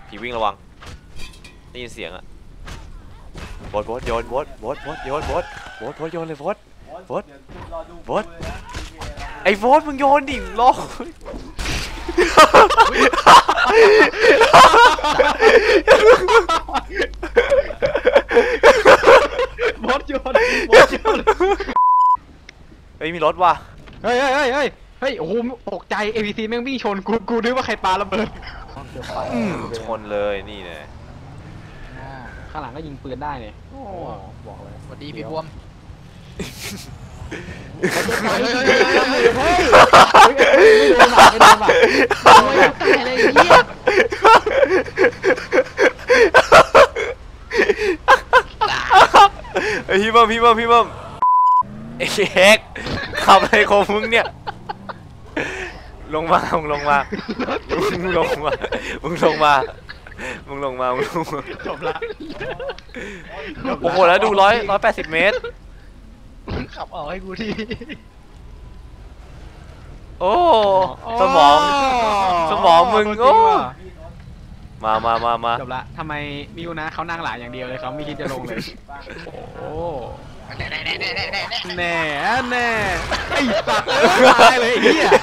ผีวิ่งระวังได้ยินเสียงอะโบทโยนโบทโยนโบทโยนเลยโบทไอ้โบทมึงโยนดิลอกบดโยนเฮ้ยมีรถว่ะเฮ้ยโอ้โหตกใจ APC แม่งวิ่งชนกูนึกว่าใครปาระเบิดชนเลยนี่เลยข้างหลังก็ยิงปืนได้เนี่ยบอกเลยสวัสดีพี่บวมไม่โดนป่ะไม่ตายเลยเหี้ยไอ้พี่เบิ้มไอ้เอ็กขับอะไรของมึงเนี่ยลงมาจบละโอ้โหแล้วดู180 เมตรขับออกให้กูทีโอ้สมองมึงโอ้มาจบละทำไมมิวนะเขานั่งหลายอย่างเดียวเลยเขาไม่คิดจะลงเลยโอ้แน่ไอ้สัตว์ตายเลยไอ้เหี้ย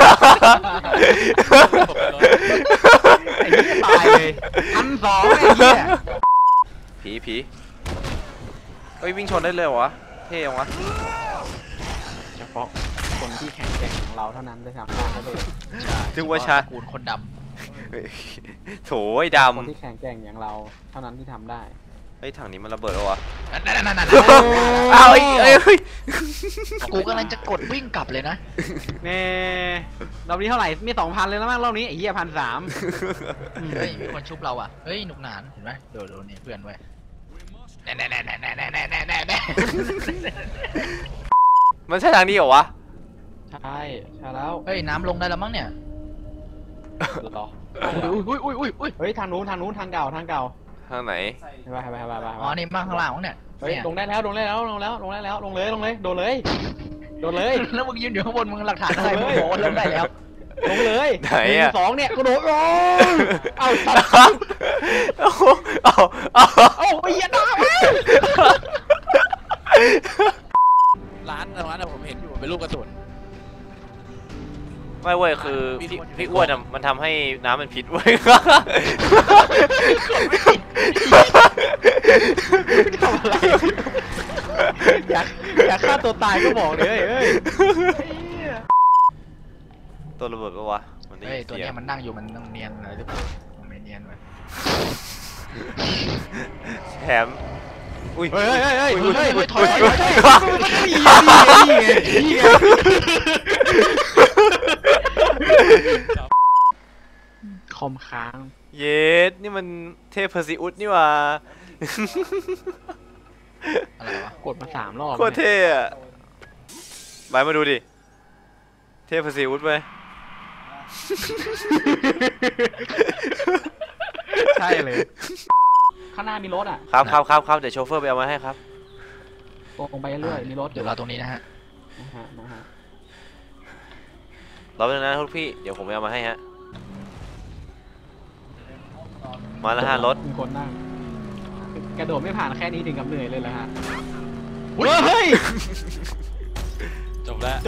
ตายเลย1,200ไอ้เหี้ยผีเฮ้ยวิ่งชนได้เลยวะเท่ยังวะเฉพาะคนที่แข็งแกร่งของเราเท่านั้นจะทำได้เลยถึงว่าชาคูณคนดำโถยดำคนที่แข็งแกร่งอย่างเราเท่านั้นที่ทำได้เฮ้ยถังนี้มันระเบิดแล้ววะเอาเอ้ยกูกำลังจะกดวิ่งกลับเลยนะเน่รอบนี้เท่าไหร่มี 2,000 เลยแล้วมั้งรอบนี้ไอ้เหี้ย1,300 เฮ้ยมีคนชุบเราอ่ะเฮ้ยหนุกหนานเห็นไหมโดนนี่เพื่อนไว้แน่มันใช่ทางนี้เหรอวะใช่แล้วเฮ้ยน้ำลงได้แล้วมั้งเนี่ยรออุ้ยเฮ้ยทางนู้นทางเก่าทางไหนไปอ๋อนี่มาข้างล่างมั้งเนี่ยเฮ้ยลงได้แล้วลงเลยแล้วโดนเลยแล้วมึงยืนอยู่ข้างบนมึงหลักฐานอะไรมึงบอกว่าลงได้แล้วลงเลยไหนอ่ะ 2เนี่ยกระโดดเอาไอ้ยันดาร้านผมเห็นอยู่เป็นรูปกระสุนไม่เว้ยคือพี่อ้วนมันทำให้น้ำมันพิษเว้ยทำอะไรอยากฆ่าตัวตายก็บอกเลยเฮ้ยตัวระเบิดปะวะเฮ้ยตัวนี้มันนั่งอยู่มันต้องเนียนอะไรหรือเปล่ามันไม่เนียนเลยแถมอุ้ยถอยคอมค้างเยสนี่มันเทพเพอร์ซิอุสนี่ว่าอะไรวะกดมา3 รอบโคตรเท่อะไปมาดูดิเทพเพอร์ซิอุสไปใช่เลยข้างหน้ามีรถอ่ะครับเดี๋ยวโชเฟอร์ไปเอามาให้ครับตรงไปเรื่อยมีรถเดี๋ยวเราตรงนี้นะฮะเราเป็นนะทุกพี่เดี๋ยวผมไปเอามาให้ฮะมาแล้วฮะรถมีคนนั่งกระโดดไม่ผ่านแค่นี้ถึงกับเหนื่อยเลยเหรอฮะเฮ้ยจบแล้ว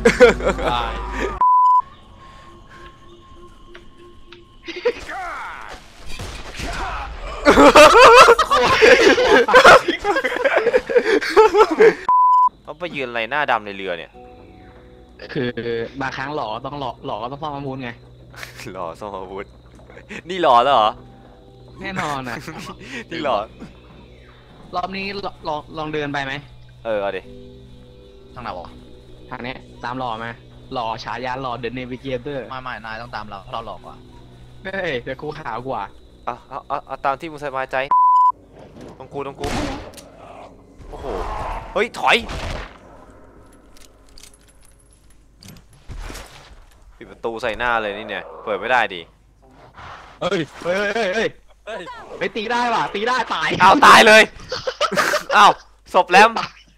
เขาไปยืนอะไรหน้าดำในเรือเนี่ยคือบางครั้งหล่อก็ต้องซ่อมอาวุธไงหล่อซ่อมอาวุธนี่หล่อแล้วเหรอแน่นอนนะนี่หล่อรอบนี้ลองเดินไปไหมเอาดิทางไหนวะทางนี้ตามหล่อไหมหล่อฉายาหล่อเดอะเนวิเกเตอร์ไม่นายต้องตามเราหลอกกว่าเฮ้ยเดี๋ยวกูขาวกว่าเอาตามที่มึงสบายใจต้องกูโอ้โหเฮ้ยถอยปิดประตูใส่หน้าเลยนี่เนี่ยเปิดไม่ได้ดิเฮ้ยตีได้ป่ะตีได้ตายตายเลยศพแลม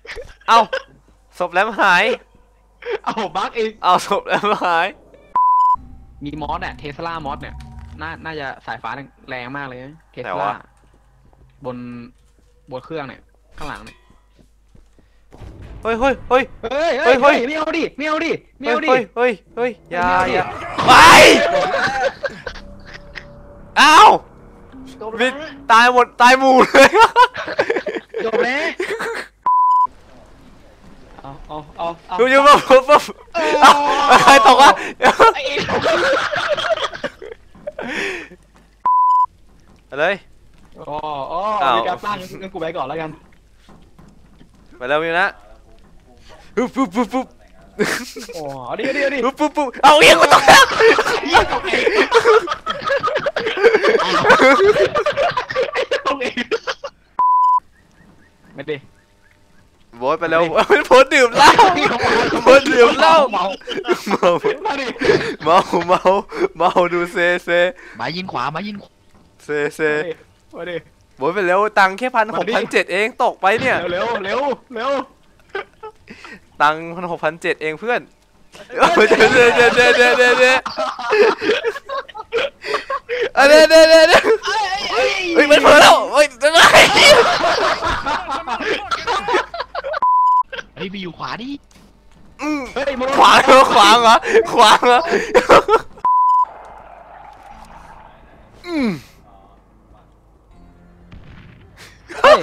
หายบั๊กเองศพแลมหายมีมอสเนี่ยเทสลามอสเนี่ยน่าจะสายฟ้าแรงมากเลยเทสไหนลาวะบนเครื่องเนี่ยข้างหลังเนี่ยเฮ้ยเฮ้ยเฮ้ยเฮ้ยเฮ้ยเฮ้ยไม่เอาดิไม่เอาดิไม่เอาดิเฮ้ยเฮ้ยเฮ้ยอย่าไม่เอาดิอย่าไปอ้าวจบมิแล้วดตายหมดตายหมู่เลยจบแล้วเอาดูอยู่ปุ๊บเอาใครตกวะไอ้เอ็อะไรอ๋ออ้าวมีการตั้งงั้นกูไปก่อนแล้วกันไปแล้วมิวนะปุ๊บปุ๊บปุ๊บปุ๊บโอ้เอาดิปุ๊บปุ๊บปุ๊บเอาเอียงมาตกแล้วไม่ดิโบสไปแล้วโบสดื่มเหล้าโบสดื่มเหล้าเมาเมามาดิเมาดูเซหมายิงขวาหมายิงเซมาดิโบสไปแล้วตังค์แค่1,600 เองตกไปเนี่ยเร็วตังค์1,600 เองเพื่อนเดี๋ยวเฮ้ยมันเผลอแล้วเฮ้ยจะไงเฮ้ยไปอยู่ขวาดิเฮ้ยขวางเหรอขวางเหรอเฮ้ย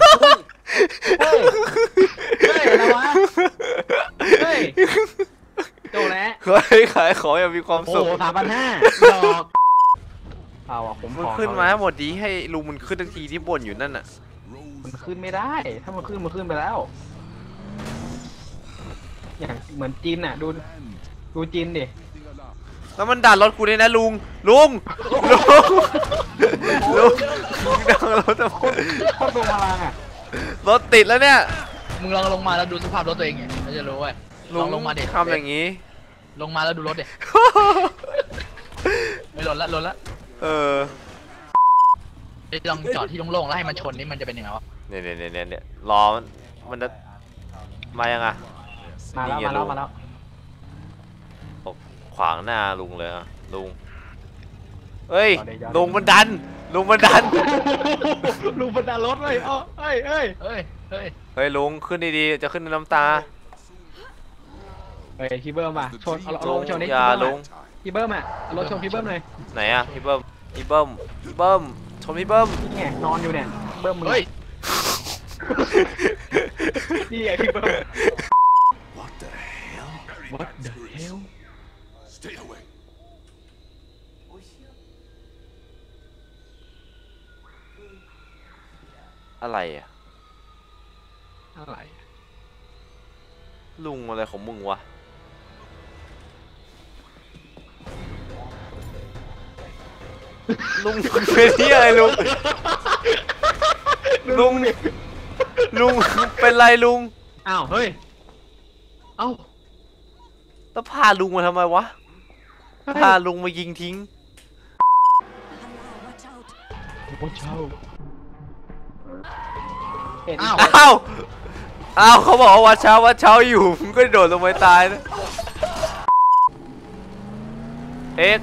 อะไรวะเฮ้ยโตแล้วขายของอย่างมีความโอ้สุขโห3,500ดอกเอาอ่ะผมมันขอขึ้นมาให้หมดดีให้ลุงมันขึ้นทันทีที่บ่นอยู่นั่นน่ะมันขึ้นไม่ได้ ถ้ามันขึ้นไปแล้ว อย่างเหมือนจีนอ่ะดูจีนดิแล้วมันดันรถกูเลยนะลุงดันรถทำไมโคตรลงพลังอ่ะรถติดแล้วเนี่ยมึงลองลงมาแล้วดูสภาพรถตัวเองไงเราจะรู้เว้ยลองลงมาเด็ดทำอย่างนี้ลงมาแล้วดูรถเด็ดไม่หล่นละเออลองจอดที่โล่งๆแล้วให้มันชนนี่มันจะเป็นยังไงวะเนี่ยรอมันจะมายังไงมาแล้วตกขวางหน้าลุงเลยอะลุงเฮ้ยจอดดิลุงมันดันลุงบันดาลรถเลยเฮ้ยเฮ้ยลุงขึ้นดีๆจะขึ้นน้ำตาเฮ้ยพี่เบิ้มอ่ะชนเอารลุถงชนนี่อย่าลุงพี่เบิ้มอ่ะเอารถชนพี่เบิ้มเลยไหนอะพี่เบิ้มชนพี่เบิ้มนี่ไงนอนอยู่เนี่ยเบิ้มมึงเฮ้ยนี่ไงพี่เบิ้ม What the hell? What the hell Stay away. อะไรอะอะไรลุงอะไรของมึงวะลุงเป็นที่อะไรลุงเป็นไรลุงอ้าวเฮ้ยเอ้าแล้วพาลุงมาทำไมวะพาลุงมายิงทิ้งโอ้เช่าเห็นอ้าวอ้าวเขาบอกว่าวัดเช้าอยู่มึงก็โดดลงไปตายนะเอก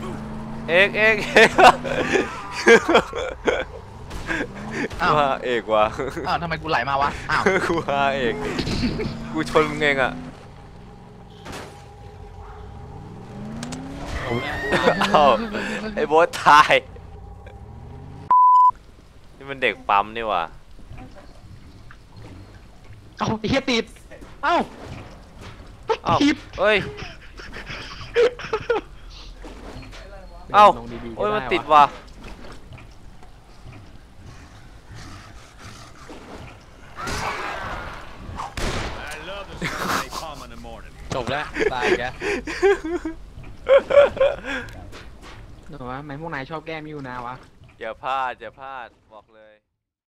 อ้าวว่าเอกว่ะอ้าวทำไมกูไหลมาวะอ้าวกูว่าเอกกูชนมึงเองอ่ะอ้าวไอ้โบ๊ทตายนี่มันเด็กปั๊มนี่ว่ะเอ้าไอ้เหี้ยติดเอ้าอ้าวทิปเอ้ยเอ้าลงดีๆโอ้ยก็มันไติดว่ะจบแล้วตายแกหนูว่าทำไมพวกนายชอบแก้มิวนะวะอย่าพลาดบอกเลย